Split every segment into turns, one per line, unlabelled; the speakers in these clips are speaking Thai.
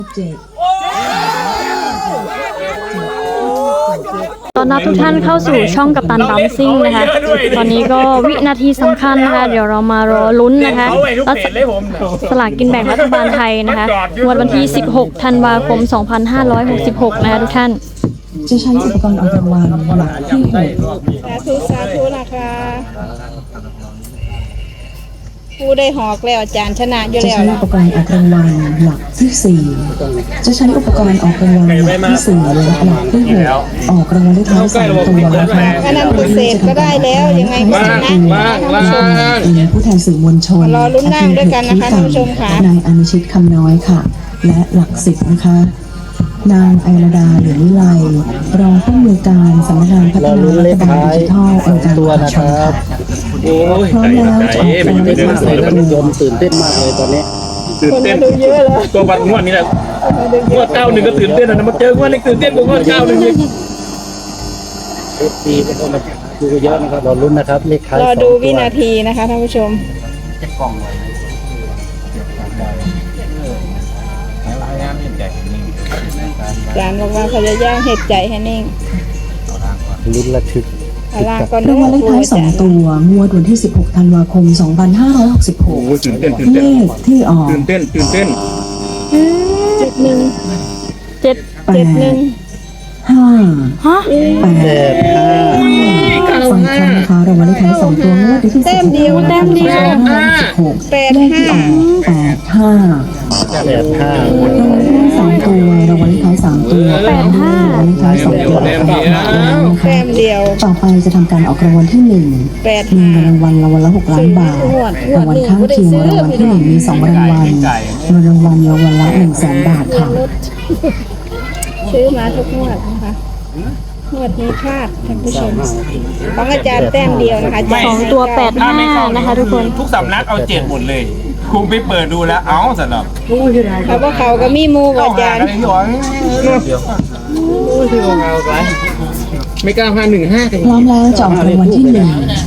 ตอนรับทุกท่านเข้าสู่ช่องกัปตันบัมซิ่งนะคะตอนนี้ก็วินาทีสำคัญนะคะเดี๋ยวเรามารอลุ้นนะคะรัฐสลากกินแบ่งรัฐบาลไทยนะคะวันที่ 16 ธันวาคม 2566 นะคะทุกท่าน
จะใช้อุปกรณ์ออกรางวัลหลักที่6
สาธุนะคะผู้ได้หอกแล้วอาจารย์ชนะอยู่
จะ
แล้ว
ใช้อุปกรณ์ออกรางวัลหลักที่4จะใช้อุปกรณ์ออกรางวัลหลักที่4และหลักที่6ออกรางวัลเลขท้าย3ตัวนะคะ
อันนั้นพิเศษก็ได้แล้วยังไงก็ชนะท่านผู้ชม
เป็นผู้แทนสื่อมวลชน
รอลุ้นนั่งด้วยกันนะคะท่านผู้ชมค่ะ
นายอนุชิตคำน้อยค่ะและหลัก10นะคะนางไอรดาเหลืองวิไลรองผู้อำนวยการสำนักงานพัฒนารัฐบาลดิจิทัลองค์การมหาชนค่ะพร้อมแล้วจะออกรางวัลเลขท้าย3ตัว
ตื่นเต้นมากเลยตอนนี้
ตื่นเต้นเยอะเลย
ตัวบัตรงวดนี้แหละงวด91ก็ตื่นเต้นนะมาเจองวดนี้ตื่นเต้นกว่างวด91อีก
ดีก็ต้องมาดูเยอะนะครับรอลุ้นนะครับเลขท้าย
รอดูวินาทีนะคะท่านผู้ชมจานบอกว่าเขาจะย่างเห็ดใจให้นิ่ง
ลุ้นระทึก
รางวัลเลขท้าย2ตัวงวดวันที่16ธันวาคม2566เลขที่ออก
ตื่นเต้น
ฮะ
ฟังคำนะคะรางวัลเลขท้าย2ตัวงวดวันที่16ธันวาคม2566เลขที่ออก85รางวัลเลขท้าย3ตัวรางวัลเลขท้าย3ตัว85รางวัลเลขท้าย2ตัว
แต้มเดียว
ต่อไปจะทำการออกรางวัลที่1มีรางวัลละ6 ล้านบาทรางวัลข้างเคียงรางวัลที่1มี2รางวัลเงินรางวัลละ100,000 บาทค่ะ
ซื้อมาทุกงวดนะคะงวดนี้พลาดท่านผู้ชมของอาจารย์แต้มเดียวนะคะ
2ตัว85นะคะทุกคน
ทุกสำนักเอา7หมดเลยคุณไปเปิดดูแล้วเอาสำหรับ
เขาบอกเขาก็มีมูกับอาจารย์
ไม่กล้า515
พร้อมแล้วจะออกรางวัลที่1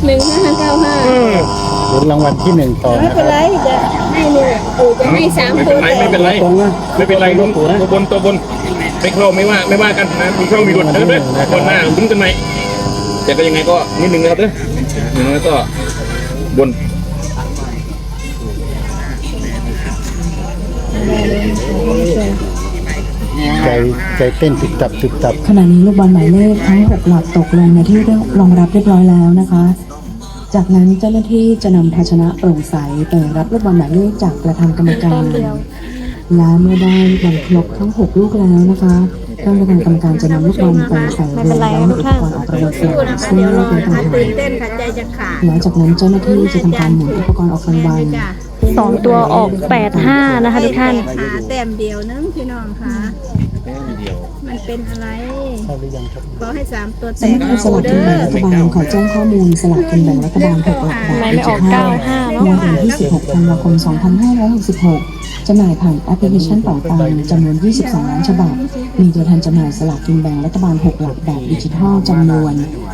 1595
ลุ้นรางวัลที่1ต่อ
ไม่เป็นไรจะให้หนึ่งจะให้3ตัว
ไม่เป็นไรลุ้นตัวบนไม่เข้าไม่ว่ากันนะมีช่องมีดุดนะด้วยคนหน้าลุ้นกันไหมแต่ก็ยังไงก็นิดนึงนะครับเด้ออย่างน้อยก็บน
ใจเต้นตึกตับ
ขณะนี้ลูกบอลหมายเลขทั้ง6หลักตกลงในที่รองรับเรียบร้อยแล้วนะคะจากนั้นเจ้าหน้าที่จะนำภาชนะโปร่งใสไปรับลูกบอลหมายเลขจากประธานกรรมการและเมื่อได้บอลครบทั้ง6ลูกแล้วนะคะท่านประธานกรรมการจะนำลูกบอลไปใส่รวมแล้วอุปกรณ์ออกรางวัลเสร็จซึ่งเลขเป็นต่างหากแล้วจากนั้นเจ้าหน้าที่จะทำการหมุนอุปกรณ์ออกรางวัล
2ตัวออก85นะคะทุกท่าน
แต้มเดียวนึงพี่น้องค่ะมันเป็นอะไรขอให้3ตัวแตก
สลากกินแบ่งรัฐบาลขอแจ้งข้อมูลสลากกินแบ่งรัฐบาล6หลักแบบดิจิทัลงวดวันที่16ธันวาคม2566จำหน่ายผ่านแอปพลิเคชันเป๋าตังจำนวน22ล้านฉบับมีตัวแทนจำหน่ายสลากกินแบ่งรัฐบาล6หลักแบบดิจิทัลจำนวน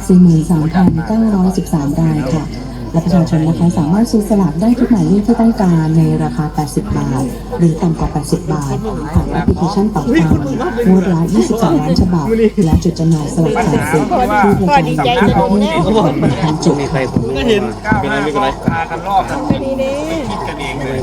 43,913 รายค่ะและประชาชนนะคะสามารถซื้อสลากได้ทุกหมายเลขที่ต้องการในราคา80 บาทหรือต่ำกว่า80 บาทผ่านแอปพลิเคชันเป๋าตังงวดละ22ล้านฉบับและจุดจำหน่ายสลากขายสิทธิ์ที่กระจายทั่วประเทศกว่า1,000 จุดค่ะ
ก็เห็นไม่เป็นไรพากันรอบนะคิดกันเองเลย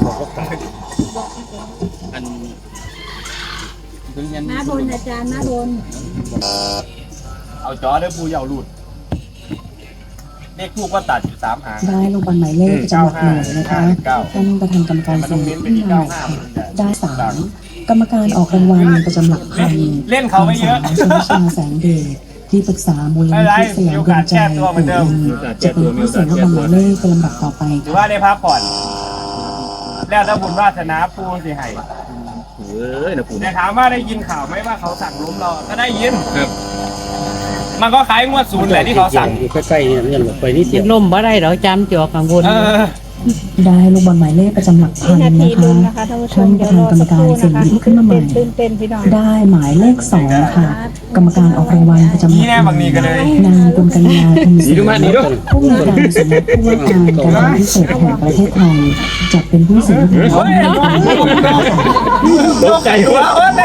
หน้าบนอาจารย์หน้าบน
เอาจอได้ปูยาวหลุดเลขคู่ก็ตัดอยู่3หาง
ได้ลงบอลหมายเลขประจำหลักหน่วยนะคะท่านประธานกรรมการเสนอขึ้นมาได้3กรรมการออกรางวัลประจำหลักพัน
เล่นเขาไม่เยอะ
ชนชาแสงเดชที่ปรึกษามูลนิธิสยามดวงใจจะเป็นผู้เสี่ยงลูกบอลหมายเลขเป็นลำดับต่อไป
ถือว่าได้พักผ่อนแล้วถ้าบุญวาสนาปูสิให้แต่ถามว่าได้ยินข่าวไหมว่าเขาสั่งล้มเราก็ได้ยินครับมันก็คล้ายงวด0แหละที่เขาสั่ง
อยู่ใกล้ๆเนี่ยไปนิดเดียว
ล่มบ่ได้หรอจำจอกังวล
ได้ลูกบอลหมายเลขประจำหลักพัน
นาที
นะคะ
ลุ้นนะคะท่านผู้ช
ท่าม นป
เดี๋ย
ระ
ว
ธาร น
อก
รรม
สัก
การ
ครู่
เสี่ยง
นะคะ
หยิบขึ้นมาใหม่
ตื่นพี่น้อง
ได้หมายเลข2ค่ะ กรรมการออกรางวัลประจำหลักพันนางกุลกัญญาทุนศรีผู้อำนวยการสำนักผู้ว่าการการพิเศษแห่งประเทศไทยจัดเป็นผู้เสียงของ
ตกใจว่า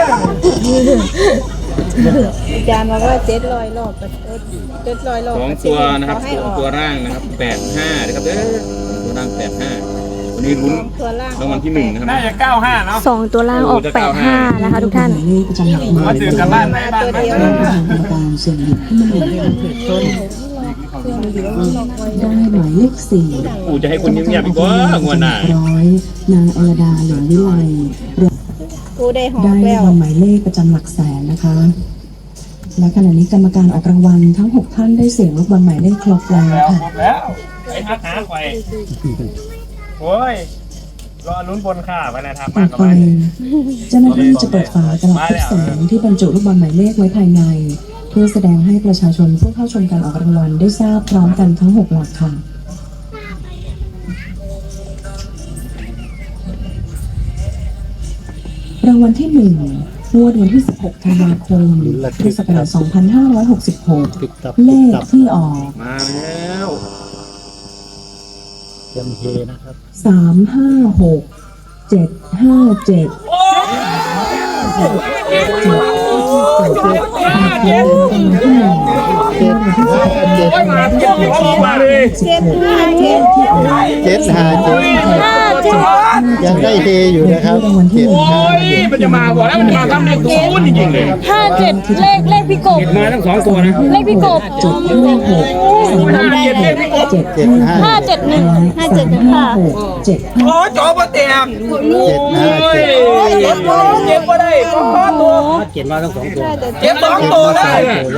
อาจารย์บอกว่า700 รอบ700 รอบ
สองตัวนะครับสองตัวร่างนะครับ85นะครับเด้อตัวร่าง85วันนี้ลุ้น
ตัวล่าง
รางวัลที่1นะครับ
น่าจะ95เนาะ
2 ตัวล่างออก 85 นะคะทุกท่าน
หมายเลขประจำหลักหมื่น
ตื่นกลับบ้านไหมบ้านไหม
ท่านประธานกรรมการเสี่ยงหยิบขึ้นมาใหม่ได้หมายเลข4
ปู่จะให้คนเงียบๆอีกว่างวดหน้า
ร้อยนางอรดาเหลืองวิไล
กูได้หอม
ได้
แล้ว
รางวัลหมายเลขประจำหลักแสนนะคะ และขณะนี้กรรมการออกรางวัลทั้ง 6 ท่านได้เสี่ยงลูกบอลหมายเลขครบแล้วค่ะ
ครบแล้วไอ้ทักหาไฟโอ้ยรอลุ้นบนข่าไปนะครับ
ต่
มา
อก
กับ
ไป
บ้าน
เจ้าหน้าที่จะเปิดฝากระดาษทุกแสงที่บรรจุลูกบอลหมายเลขไว้ภายใน เพื่อแสดงให้ประชาชนผู้เข้าชมการออกรางวัลได้ทราบพร้อมกันทั้ง 6 หลักค่ะ รางวัลที่1งวดวันที่ 16 ธันวาคม พุทธศักราช
ติดตับ
2566 เล
ติด
ข
ตับ
ที่ออก
มาแล้ว
เตรียมเฮนะครับ
มาเลย
ยังได้เฮอยู่นะครับ757
โอ้ยมันจะมาบอกแล้วมันจะมาทำเลขศูนย์จริงๆเลย
57 เลขพี่กบ
มาทั้ง2ตัวนะ
เลขพี่กบ
571
โอ้จอปเตียง
757
เจ็บก็ได้พ่อตัวเจ็บ2ตัวได้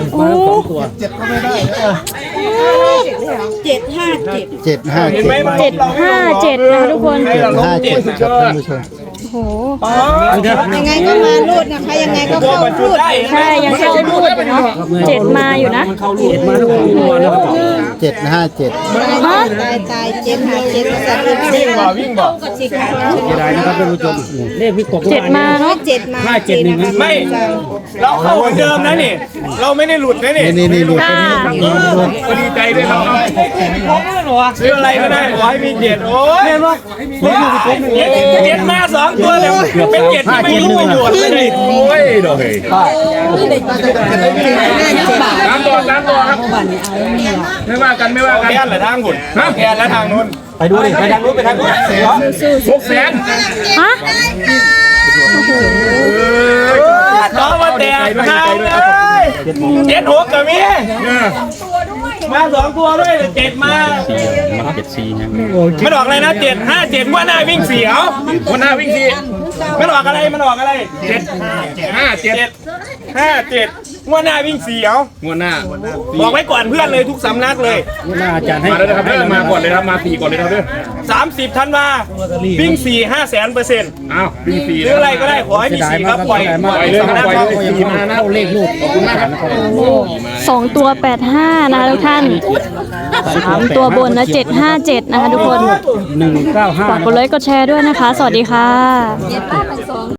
757
เห็นไหมมัน
757 นะคะทุกคน
757ครับท่านผู้ชม
โอ้โห
ยังไงก็มารูดนะคะ ยังไงก็
ตัว
เข้า
มันจุด
รูด
ได้
ใช่ ยังเข้ารูดอยู่เนาะ7มาอยู่นะ
757
ฮะ
ตาย757ภาษาอังกฤษ
วิ่งบ่
สิค่ะ
7มาเนาะ
7มา7นะคะ
ไม่เราเข้าเหมือนเดิมนะนี่เราไม่ได้หลุดนะนี่
นี่หลุด
ค่ะ
ก็ดีใจด้วยครับ
ซื้ออะไรก็ได้ขอให้มี7โอ้ยเจ็ดมา2ตัวแล้วเป็น7ที่ไม่รู้ประโยชน์เลย
โอ้ยดอกเฮ้ยตามตัวครับไม่ว่ากัน
แค่ละทางหุ่นแค่ละทางนู้น
ไปดูดิไปทางนู้น600,000
ฮะ
ต่อมาแตกทางเลย7-6กับมีมา2ตัวด้วย7มามันออกอะไรนะ7-5-7ว่าหน้าวิ่ง4เอาว่าหน้าวิ่ง4มันออกอะไร7-5-7ว่าหน้าวิ่ง4เอา
งวดหน้า
บอกไว้ก่อนเพื่อนเลยทุกสำนักเลย
มาแล้วนะครับมาก่อนเลยครับมา4ก่อนเลยครับเด้อ
30 ธันวาวิ่ง4 500,000%
อ้าววิ่ง4
หรืออะไรก็ได้ขอให้มี4ครับปล่อย
เลยครับปล่อยเลย4มานะเลขลูกขอบคุณมากครับ
2 ตัว 85 นะคะทุกท่าน 3 ตัวบนนะ 757 นะคะทุกคน ฝากกดไลค์กดแชร์ด้วยนะคะ สวัสดีค่ะ